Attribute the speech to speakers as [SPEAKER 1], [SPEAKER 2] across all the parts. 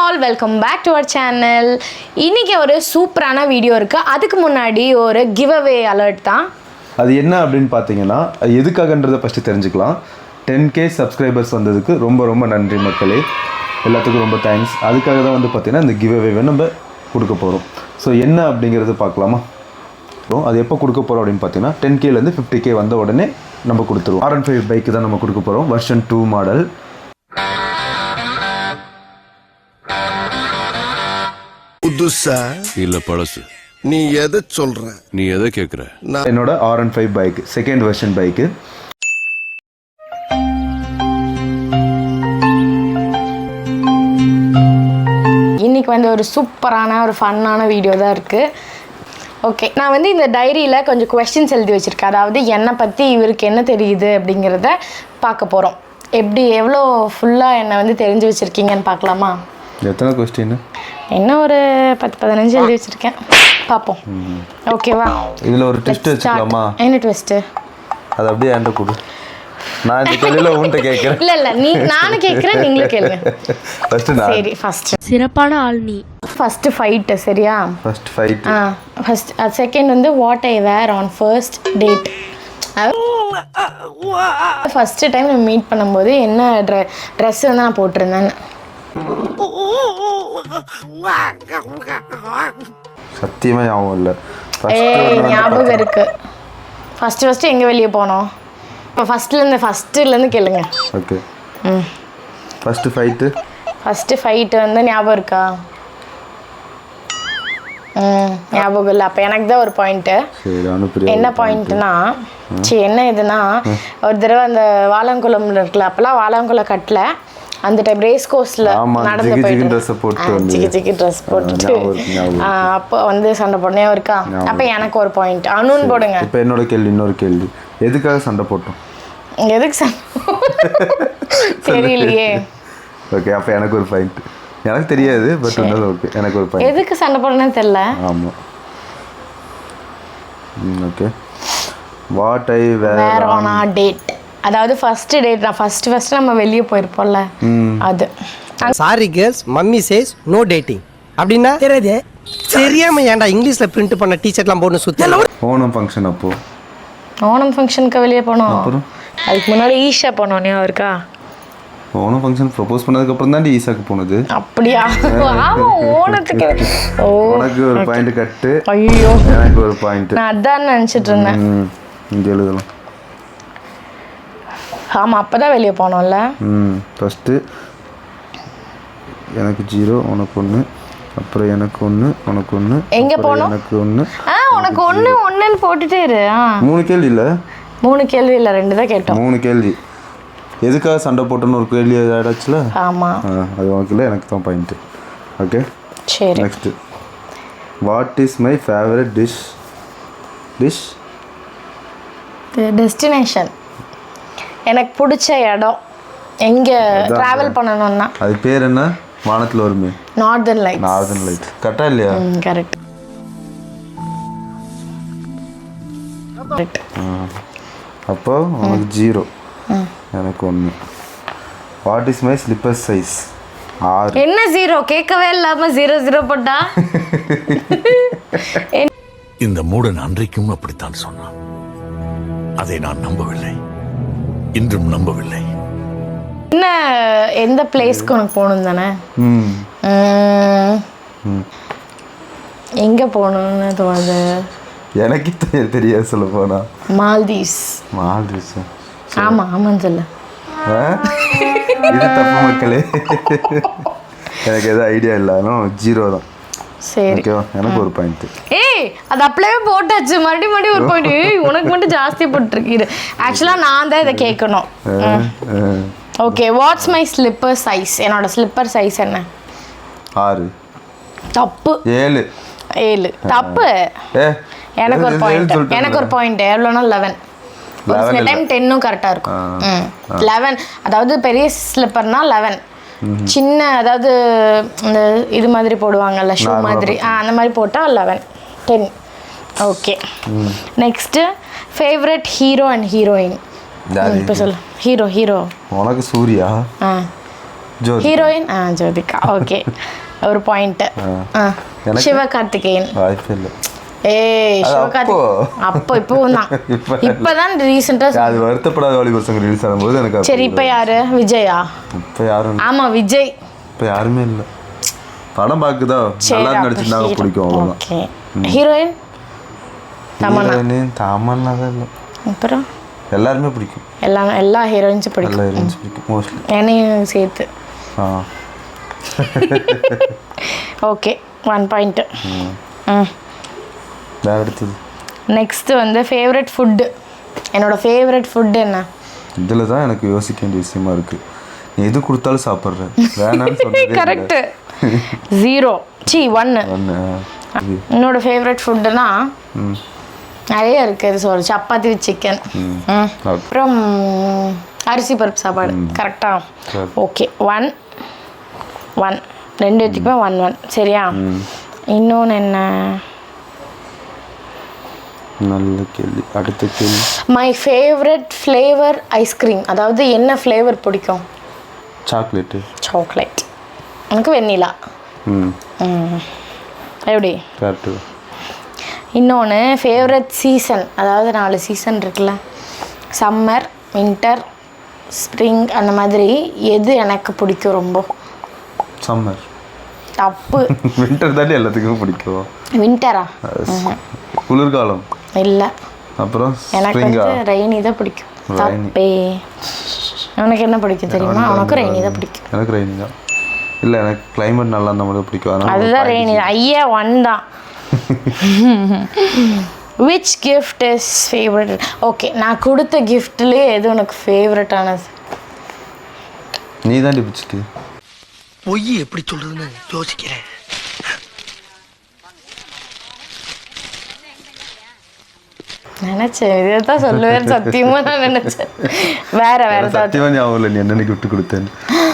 [SPEAKER 1] All welcome back to our channel. இன்றைக்கி ஒரு சூப்பரான வீடியோ இருக்குது. அதுக்கு முன்னாடி ஒரு கிவ் அவே அலர்ட் தான்.
[SPEAKER 2] அது என்ன அப்படின்னு பார்த்தீங்கன்னா, எதுக்காகன்றதை ஃபஸ்ட்டு தெரிஞ்சுக்கலாம். 10K சப்ஸ்கிரைபர்ஸ் வந்ததுக்கு ரொம்ப ரொம்ப நன்றி மக்களே, எல்லாத்துக்கும் ரொம்ப தேங்க்ஸ். அதுக்காக தான் வந்து பார்த்தீங்கன்னா இந்த கிவ் அவே நம்ம கொடுக்க போகிறோம். ஸோ என்ன அப்படிங்கிறது பார்க்கலாமா? அது எப்போ கொடுக்க போகிறோம் அப்படின்னு பார்த்தீங்கன்னா 10Kலேருந்து 50K வந்த உடனே நம்ம கொடுத்துருவோம். R15 பைக்கு தான் நம்ம கொடுக்க போகிறோம். Version 2 model.
[SPEAKER 3] புதுசா
[SPEAKER 4] இல்ல பழசு.
[SPEAKER 3] நீ எதை சொல்ற?
[SPEAKER 4] நீ எதை கேக்குற?
[SPEAKER 2] என்னோட R15 bike second version bike.
[SPEAKER 1] இன்றைக்கி வந்து ஒரு சூப்பரான ஒரு ஃபன்னான வீடியோ தான் இருக்குது. ஓகே, நான் வந்து இந்த டைரியில் கொஞ்சம் கொஸ்டின்ஸ் எழுதி வச்சுருக்கேன். அதாவது என்னை பற்றி இவருக்கு என்ன தெரியுது அப்படிங்கிறத பார்க்க போகிறோம். எப்படி எவ்வளோ ஃபுல்லாக என்னை வந்து தெரிஞ்சு வச்சுருக்கீங்கன்னு பார்க்கலாமா?
[SPEAKER 2] எத்தனை கொஸ்டின்?
[SPEAKER 1] என்ன ஒரு 10-15 எழுதி வச்சுருக்கேன், பார்ப்போம். ஓகேவா?
[SPEAKER 2] இதில் ஒரு ட்விஸ்ட் வச்சுக்கலாமா?
[SPEAKER 1] என்ன ட்விஸ்ட்டு?
[SPEAKER 2] அது அப்படியே என்கிட்ட கொடு, நான் இந்த கேள்வியில் உன்கிட்ட கேட்குறேன்.
[SPEAKER 1] இல்லை நானும் கேட்குறேன், நீங்களும் கேளுங்க. சரி, ஃபஸ்ட்டு
[SPEAKER 5] சிறப்பான ஆள் நீ.
[SPEAKER 1] ஃபஸ்ட்டு ஃபைட்டு, சரியா?
[SPEAKER 2] First fight.
[SPEAKER 1] ஃபஸ்ட் செகண்ட் வந்து what I wear on first date. First time நம்ம மீட் பண்ணும்போது என்ன ட்ரெஸ் வந்து நான் போட்டிருந்தேன்.
[SPEAKER 2] சத்தியமாக ஞாபகம் இல்லை.
[SPEAKER 1] ஞாபகம் இருக்கு. ஃபஸ்ட்டு எங்கே வெளியே போனோம்? இப்போ ஃபஸ்ட்டுலேருந்து கேளுங்க.
[SPEAKER 2] ஓகே. ஃபஸ்ட்டு
[SPEAKER 1] ஃபைட்டு வந்து ஞாபகம் இருக்கா? ஞாபகம் இல்லை. அப்போ எனக்கு தான் ஒரு பாயிண்ட்டு. என்ன பாயிண்ட்னா, என்ன இதுனா, ஒரு தடவை அந்த வாழங்குளம் இருக்குல்ல, அப்போல்லாம் வாழங்குளம் கட்டல, அந்த டைம் ரேஸ் கோர்ஸில் நடந்து போயிட்டு சிக்கி ட்ரெஸ் போட்டுட்டு அப்போ வந்து சண்டை போடனே இருக்கா. அப்போ எனக்கு ஒரு பாயிண்ட். அனுன்னு போடுங்க.
[SPEAKER 2] இப்போ என்னோட கேள்வி, இன்னொரு கேள்வி. எதுக்காக சண்டை போட்டோம்?
[SPEAKER 1] எதுக்கு சண்டை தெரியலையே.
[SPEAKER 2] ஓகே, அப்போ எனக்கு ஒரு பாயிண்ட். எனக்கு தெரியாது, பட் ஓகே, எனக்கு ஒரு பாயிண்ட்.
[SPEAKER 1] எதுக்கு சண்டை போடணும்னு தெரியல.
[SPEAKER 2] ஆமாம். Okay. What I wear
[SPEAKER 1] on a date, அதாவது ஃபர்ஸ்ட் டேட். நான் ஃபர்ஸ்ட் நம்ம வெளியே போயிருப்போம்ல, அது.
[SPEAKER 6] Sorry girls, mummy says no dating அப்படின்னா தெரியாது. தெரியாம ஏன்டா இங்கிலீஷ்ல பிரிண்ட் பண்ண டீஷர்ட்லாம் போட்டு சுத்த.
[SPEAKER 2] ஓணம் ஃபங்க்ஷன். அப்போ
[SPEAKER 1] ஓணம் ஃபங்க்ஷனுக்கு வெளியே போனோம். அதுக்கு முன்னாடி ஈஷா போனோம், ஞாபகம் இருக்கா?
[SPEAKER 2] ஓணம் ஃபங்க்ஷன் ப்ரொபோஸ் பண்ணதுக்கு அப்புறம் தான் ஈசாக்கு போனது.
[SPEAKER 1] அப்படியா? ஆமா, ஓணத்துக்கு.
[SPEAKER 2] உனக்கு ஒரு பாயிண்ட் கட்டு.
[SPEAKER 1] ஐயோ,
[SPEAKER 2] எனக்கு ஒரு பாயிண்ட்.
[SPEAKER 1] நான் அதான் நினச்சிட்டு இருந்தேன்.
[SPEAKER 2] இங்கே எழுதலாம்.
[SPEAKER 1] ஆமாம், அப்போ தான் வெளியே போனோம்ல.
[SPEAKER 2] ஃபஸ்ட்டு எனக்கு 0, உனக்கு 1, அப்புறம் எனக்கு 1, உனக்கு 1.
[SPEAKER 1] எங்கே போனோம்?
[SPEAKER 2] எனக்கு 1.
[SPEAKER 1] உனக்கு 1 போட்டுட்டே இரு.
[SPEAKER 2] 3 கேள்வி இல்லை?
[SPEAKER 1] 3 கேள்வி இல்லை, 2 தான் கேட்டோம்.
[SPEAKER 2] 3 கேள்வி. எதுக்காக சண்டை போட்டோன்னு ஒரு கேள்வி ஆயிடுச்சுல.
[SPEAKER 1] ஆமாம்,
[SPEAKER 2] அது உனக்கு இல்லை, எனக்கு தான் பாயிண்ட்டு. ஓகே,
[SPEAKER 1] சரி.
[SPEAKER 2] Next, what is my favourite dish?
[SPEAKER 1] Destination, எனக்கு பிடிச்ச இடம் எங்கே ட்ராவல் பண்ணணும்னா.
[SPEAKER 2] அது பேர் என்ன? வானத்தில் வருமே,
[SPEAKER 1] நார்தர்ன் லைட்.
[SPEAKER 2] Northern light. கரெக்டா இல்லையா?
[SPEAKER 1] கரெக்ட்.
[SPEAKER 2] அப்போ உனக்கு 0, எனக்கு 1. What is my slipper size? 6.
[SPEAKER 1] என்ன 0? கேட்கவே இல்லாமல் 0 போட்டா?
[SPEAKER 4] இந்த மூடன் அன்றைக்கும் அப்படித்தான் சொன்னான். அதை நான் நம்பவில்லை, இன்றும் நம்பவில்லை.
[SPEAKER 1] என்ன, எந்த பிளேஸ்க்கு உனக்கு போகணும் தானே? எங்கே போகணும்னு தோணுது?
[SPEAKER 2] எனக்கு தெரியாது சொல்ல போனா.
[SPEAKER 1] மால்தீவ்ஸ். ஆமான்னு சொல்லு.
[SPEAKER 2] இது தப்பு மக்களே. எனக்கு எதுவும் ஐடியா இல்லை, 0 தான்.
[SPEAKER 1] சரி,
[SPEAKER 2] எனக்கு ஒரு பாயிண்ட்.
[SPEAKER 1] அது அப்படியே போட்டாச்சு. மறுபடியும் ஒரு பாயிண்ட். உனக்கு மட்டும் ஜாஸ்தி போட்டுருக்கு. ஆக்சுவலாக நான் தான் இதை கேட்கணும். Okay, what's my slipper size? என்னோட ஸ்லிப்பர் சைஸ் என்ன? 6. தப்பு. 7 தப்பு. எனக்கு ஒரு பாயிண்ட். எவ்வளோனா 11. ஒரு சில டைம் 10ம் கரெக்டாக இருக்கும். 11, அதாவது பெரிய ஸ்லிப்பர்னா 11. சின்ன, அதாவது இந்த இது மாதிரி போடுவாங்கல்ல, ஷூ மாதிரி, அந்த மாதிரி போட்டால் 11, 10. Okay, next favourite hero and heroine. இப்போ சொல்லு. ஹீரோ.
[SPEAKER 2] உனக்கு சூர்யா. ஜோதிகா.
[SPEAKER 1] ஹீரோயின் ஜோதிகா. ஓகே, ஒரு பாயிண்ட்.
[SPEAKER 2] எனக்கு?
[SPEAKER 1] சிவகார்த்திகேயன்.
[SPEAKER 2] வாய்ப்பே இல்லை.
[SPEAKER 1] ஏய்,
[SPEAKER 2] அது
[SPEAKER 1] சிவகார்த்திகேயன் அப்போ இப்போவும் தான். இப்பதான் ரீசெண்டா.
[SPEAKER 2] அது வருத்தப்படாத வாலி பசங்க ரிலீஸ் ஆகும்போது எனக்கு
[SPEAKER 1] சரி, இப்போ யாரு? விஜயா?
[SPEAKER 2] இப்போ யாரும் இல்லை.
[SPEAKER 1] ஆமா, விஜய்.
[SPEAKER 2] இப்போ யாருமே இல்லை. படம் பார்க்குதா நல்லா நடிச்சிருந்தாங்க, பிடிக்கும் அவ்வளோதான்.
[SPEAKER 1] ஓகே. ஹீரோயின்? தமன்னா.
[SPEAKER 2] தாமன்னா தான் இல்லை.
[SPEAKER 1] அப்புறம்
[SPEAKER 2] எல்லாருமே பிடிக்கும்.
[SPEAKER 1] எல்லா ஹீரோயின்ஸும் பிடிக்கும்.
[SPEAKER 2] எல்லா ஹீரோயின்ஸ் பிடிக்கும் மோஸ்ட்லி.
[SPEAKER 1] என்னையும் சேர்த்து.
[SPEAKER 2] ஆ
[SPEAKER 1] ஓகே, 1 பாயிண்ட்.
[SPEAKER 2] வேற அடுத்தது.
[SPEAKER 1] நெக்ஸ்ட் வந்து ஃபேவரட் ஃபுட்டு. என்னோட ஃபேவரட் ஃபுட் என்ன?
[SPEAKER 2] இதில் தான் எனக்கு யோசிக்க வேண்டிய விஷயமா இருக்கு. நீ எது கொடுத்தாலும் சாப்பிட்றேன், வேணான்னு சொன்னதே
[SPEAKER 1] கரெக்ட். 0 1. என்னோட ஃபேவரட் ஃபுட்டுனா நிறைய இருக்குது. இது சொல்ற சப்பாத்தி வித் சிக்கன், அப்புறம் அரிசி பருப்பு சாப்பாடு. கரெக்டா? ஓகே, 1 1. 2 பேத்துக்குமே 1 1. சரியா? இன்னொன்று என்ன?
[SPEAKER 2] நல்ல கேள்வி. அடுத்த கேள்வி.
[SPEAKER 1] My favourite flavour ice cream. அதாவது என்ன ஃப்ளேவர் பிடிக்கும்?
[SPEAKER 2] சாக்லேட்டு.
[SPEAKER 1] சாக்லேட். எனக்கு வெண்ணிலா. எப்படி?
[SPEAKER 2] கரெக்டு.
[SPEAKER 1] இன்னொன்று ஃபேவரட் சீசன். அதாவது 4 சீசன் இருக்குல்ல, சம்மர், வின்டர், ஸ்ப்ரிங், அந்த மாதிரி எது எனக்கு பிடிக்கும் ரொம்ப?
[SPEAKER 2] சம்மர்.
[SPEAKER 1] தப்பு.
[SPEAKER 2] வின்டர் தாண்டி எல்லாத்துக்கும் பிடிக்கும்.
[SPEAKER 1] வின்டரா?
[SPEAKER 2] குளிர்காலம்
[SPEAKER 1] இல்லை,
[SPEAKER 2] அப்புறம்
[SPEAKER 1] எனக்கு வந்து ரெய்னி தான் பிடிக்கும். தப்பே. உனக்கு என்ன பிடிக்கும் தெரியுமா? உனக்கு ரெய்னி தான் பிடிக்கும்.
[SPEAKER 2] எனக்கு ரெய்னி தான். இல்லை, எனக்கு கிளைமேட் நல்லா இருந்தால் மட்டும் பிடிக்கும்.
[SPEAKER 1] அதுதான் ரெய்னி. ஐயா 1 தான். Which gift is favourite? Okay, நான் கொடுத்த கிஃப்ட்லேயே எது உனக்கு ஃபேவரட்டானது?
[SPEAKER 2] நீ தான் பிடிச்சிட்டு.
[SPEAKER 6] பொய் எப்படி சொல்றதுன்னு யோசிக்கிறேன்.
[SPEAKER 1] நினைச்சேன் இதை தான் சொல்லுவேன். சத்தியமா நான் நினைச்சேன். வேற
[SPEAKER 2] சத்தியமா ஞாபகம் இல்லை நீ என்ன கிஃப்ட் கொடுத்தேன்னு.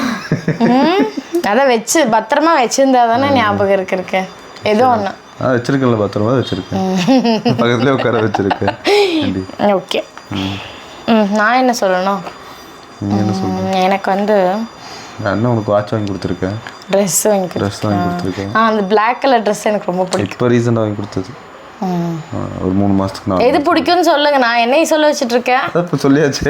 [SPEAKER 1] அதான் வச்சு பத்திரமா வச்சிருந்தா தானே ஞாபகம் இருக்கு. ஏதோ ஒன்று
[SPEAKER 2] வச்சிருக்கேன்ல, பத்திரமா வச்சிருக்கேன். பக்கத்துலேயே உட்கார வச்சிருக்கேன்.
[SPEAKER 1] ஓகே. நான் என்ன சொல்லணும்? எனக்கு வந்து
[SPEAKER 2] நான் உனக்கு வாட்ச் வாங்கி கொடுத்துருக்கேன்.
[SPEAKER 1] ட்ரெஸ் வாங்கி கொடுத்துருக்கேன். அந்த பிளாக் கலர் ட்ரெஸ் எனக்கு ரொம்ப பிடிக்கும்.
[SPEAKER 2] இப்போ ரீசெண்டாக வாங்கி கொடுத்தது. ஒரு 3 மாதத்துக்கு நான்.
[SPEAKER 1] எது பிடிக்கும்னு சொல்லுங்க, நான் என்னையும் சொல்ல வச்சுட்டு இருக்கேன்.
[SPEAKER 2] இப்போ சொல்லியாச்சு.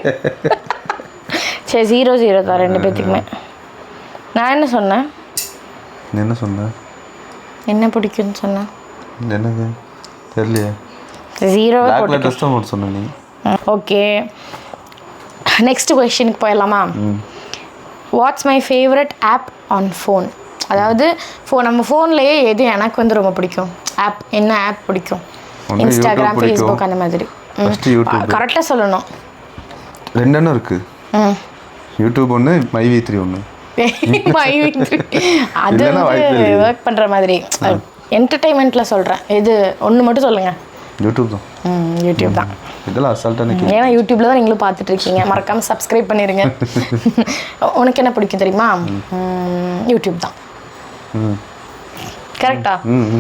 [SPEAKER 1] சரி, 0 தான் 2 பேத்துக்குமே. நான் என்ன சொன்னேன்?
[SPEAKER 2] என்ன சொன்ன?
[SPEAKER 1] என்ன பிடிக்கும்னு சொன்னேன்.
[SPEAKER 2] என்னங்க தெரியலையே.
[SPEAKER 1] 0
[SPEAKER 2] பிளாக் ட்ரெஸ் தான் போட்டு சொன்ன நீ.
[SPEAKER 1] ஓகே, நெக்ஸ்ட் கொஸ்டினுக்கு போயிடலாமா? What's my favourite app on phone? அதாவது நம்ம ஃபோன்லேயே எது எனக்கு வந்து ரொம்ப பிடிக்கும் ஆப்? என்ன ஆப் பிடிக்கும்? இன்ஸ்டாகிராம், ஃபேஸ்புக், அந்த மாதிரி. கரெக்டாக சொல்லணும்.
[SPEAKER 2] 2 இருக்கு. YouTube 1, MyV3 1.
[SPEAKER 1] அது ஒர்க் பண்ணுற மாதிரி என்டர்டைன்மெண்ட்டில் சொல்கிறேன். இது ஒன்று மட்டும் சொல்லுங்கள்.
[SPEAKER 2] யூடியூப் தான்.
[SPEAKER 1] யூடியூப் தான்.
[SPEAKER 2] இதெல்லாம் அசால்ட்டாக நிற்கும்.
[SPEAKER 1] ஏன்னா யூடியூப்ல தான் நீங்களும் பார்த்துட்டு இருக்கீங்க. மறக்காம சப்ஸ்கிரைப் பண்ணிடுங்க. உனக்கு என்ன பிடிக்கும் தெரியுமா? யூடியூப் தான். கரெக்டா?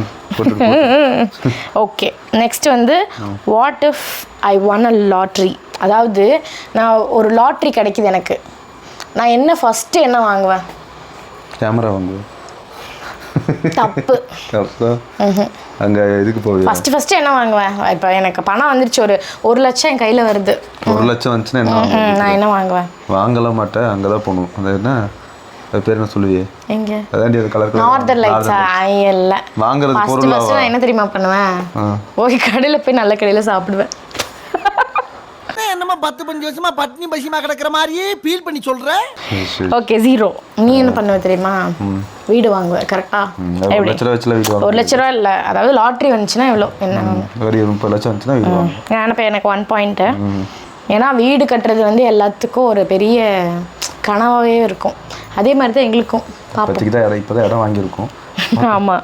[SPEAKER 1] ஓகே, நெக்ஸ்ட் வந்து what if I won a lottery? அதாவது நான் ஒரு லாட்ரி கிடைக்குது எனக்கு, நான் என்ன ஃபஸ்ட்டு என்ன வாங்குவேன்?
[SPEAKER 2] கேமரா வாங்குவேன்.
[SPEAKER 1] தப்பு.
[SPEAKER 2] அங்கே இதுக்கு போகுது.
[SPEAKER 1] ஃபஸ்ட்டு என்ன வாங்குவேன்? இப்போ எனக்கு பணம் வந்துருச்சு, ஒரு 1 லட்சம் என் கையில் வருது.
[SPEAKER 2] 1 லட்சம் வந்துச்சுன்னா என்ன
[SPEAKER 1] நான் என்ன வாங்குவேன்?
[SPEAKER 2] வாங்கலாம் மாட்டேன், அங்கே தான் போகணும். அது என்ன, அது பேர் என்ன சொல்லுவியே?
[SPEAKER 1] எங்க?
[SPEAKER 2] அதாண்டி அது கலர்
[SPEAKER 1] நார்தர்ன் லைட்ஸா? இல்ல,
[SPEAKER 2] வாங்குறது பொருள்.
[SPEAKER 1] நான் என்ன தெரியுமா பண்ணுவேன்? போய் கடையில் போய் நல்ல கடையில் சாப்பிடுவேன்.
[SPEAKER 6] என்னமா 10-15 வருஷமா பட்னி பசிமா கிடக்குற மாதிரியே ஃபீல் பண்ணி சொல்ற.
[SPEAKER 1] ஓகே, 0. நீ என்ன பண்ணுவ தெரியுமா? வீடு வாங்குவ. கரெக்டா?
[SPEAKER 2] 1 லட்ச ரூபா வச்சுல வீடு வாங்குவேன்.
[SPEAKER 1] 1 லட்ச ரூபா இல்லை, அதாவது லாட்ரி வந்துச்சுன்னா எவ்வளோ? என்ன
[SPEAKER 2] ஒரு 30 லட்சம் வந்துச்சுன்னா வீடு வாங்குவேன்.
[SPEAKER 1] இப்போ எனக்கு 1 பாயிண்ட். ஏன்னா வீடு கட்டுறது வந்து எல்லாத்துக்கும் ஒரு பெரிய கனவாகவே இருக்கும். அதே மாதிரி தான் எங்களுக்கும்.
[SPEAKER 2] இப்போதைக்கு தான் இப்போ தான் இடம் வாங்கியிருக்கோம்.
[SPEAKER 1] ஆமாம்.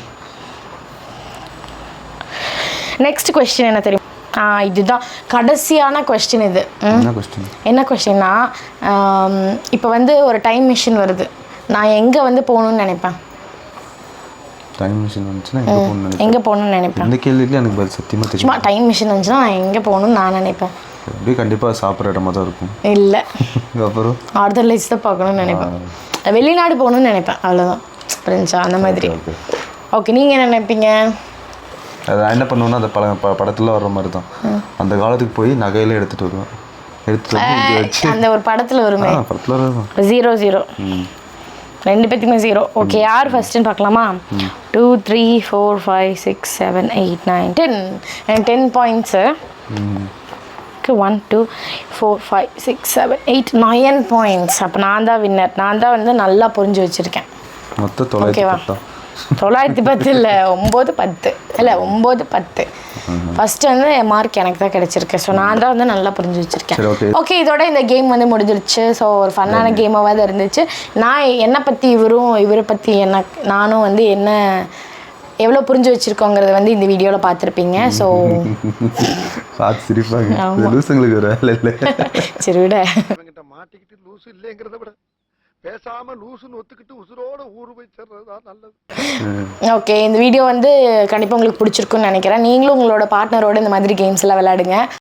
[SPEAKER 1] நெக்ஸ்ட் கொஸ்டின் என்ன தெரியும்? இதுதான் கடைசியான கொஸ்டின். இது என்ன கொஸ்டின்னா, இப்போ வந்து ஒரு டைம் மிஷின் வருது, நான் எங்கே வந்து போகணுன்னு நினைப்பேன்?
[SPEAKER 2] டைம் மிஷின் வந்துச்சுன்னா
[SPEAKER 1] எங்கே போகணுன்னு நினைப்பேன்?
[SPEAKER 2] இந்த கேள்விக்கு எனக்கு பதில் சத்தியமாக தெரியும்.
[SPEAKER 1] சும்மா டைம் மிஷின் வந்துச்சுன்னா நான் எங்கே போகணுன்னு நான் நினைப்பேன்.
[SPEAKER 2] அப்படியே கண்டிப்பாக சாப்பிட்ற இடமா தான் இருக்கும்.
[SPEAKER 1] இல்லை,
[SPEAKER 2] அப்புறம்
[SPEAKER 1] ஆர்தர் லைட்ஸ் தான் பார்க்கணும்னு நினைப்பேன். வெளிநாடு போகணும்னு நினைப்பேன், அவ்வளோதான். புரிஞ்சா அந்த மாதிரி.
[SPEAKER 2] ஓகே
[SPEAKER 1] ஓகே, நீங்கள் என்ன நினைப்பீங்க?
[SPEAKER 2] அது நான் என்ன பண்ணுவேன்னா அந்த படத்தில் வர்ற மாதிரி தான், அந்த காலத்துக்கு போய் நகையில எடுத்துகிட்டு வருவேன். எடுத்துகிட்டு வந்து இங்கே வச்சு
[SPEAKER 1] அந்த ஒரு படத்தில் வருமே,
[SPEAKER 2] படத்தில் வரும்
[SPEAKER 1] 0-0 ரெண்டு பேத்துக்குமே 0. ஓகே, யார் ஃபர்ஸ்ட்னு பார்க்கலாமா? 2 3 4 5 6 7 8 9 10. எனக்கு 10 பாயிண்ட்ஸு. 1 2 4 5 6 7 8 9 பாயிண்ட்ஸ். அப்போ நான் தான் வின்னர். நான் தான் வந்து நல்லா புரிஞ்சு வச்சுருக்கேன்.
[SPEAKER 2] மொத்தம்
[SPEAKER 1] ஓகேவா? 910 இல்லை, 9-10 இல்லை 9-10. ஃபர்ஸ்ட் வந்து மார்க் எனக்கு தான் கிடைச்சிருக்கு. ஸோ நான் தான் வந்து நல்லா புரிஞ்சு வச்சிருக்கேன். ஓகே, இதோட இந்த கேம் வந்து முடிஞ்சிருச்சு. ஸோ ஒரு ஃபன்னான கேமாக தான் இருந்துச்சு. நான் என்னை பற்றி இவரை பற்றி நானும் வந்து என்ன எவ்வளோ புரிஞ்சு வச்சிருக்கோங்கிறத வந்து இந்த வீடியோவில் பார்த்துருப்பீங்க. ஸோ
[SPEAKER 2] பார்த்து சிரிப்பாங்க, லூசுங்களுக்கு ஒரு வேலை இல்லை.
[SPEAKER 1] சரி விட,
[SPEAKER 3] மாட்டிக்கிட்டு லூசு இல்லைங்கிறத விட பேசாம லூசுன்னு ஒத்துக்கிட்டு உசுரோட ஊரு போய் சேர்றதா நல்லது.
[SPEAKER 1] ஓகே, இந்த வீடியோ வந்து கண்டிப்பாக உங்களுக்கு பிடிச்சிருக்குன்னு நினைக்கிறேன். நீங்களும் உங்களோட பார்ட்னரோட இந்த மாதிரி கேம்ஸ் எல்லாம் விளையாடுங்க.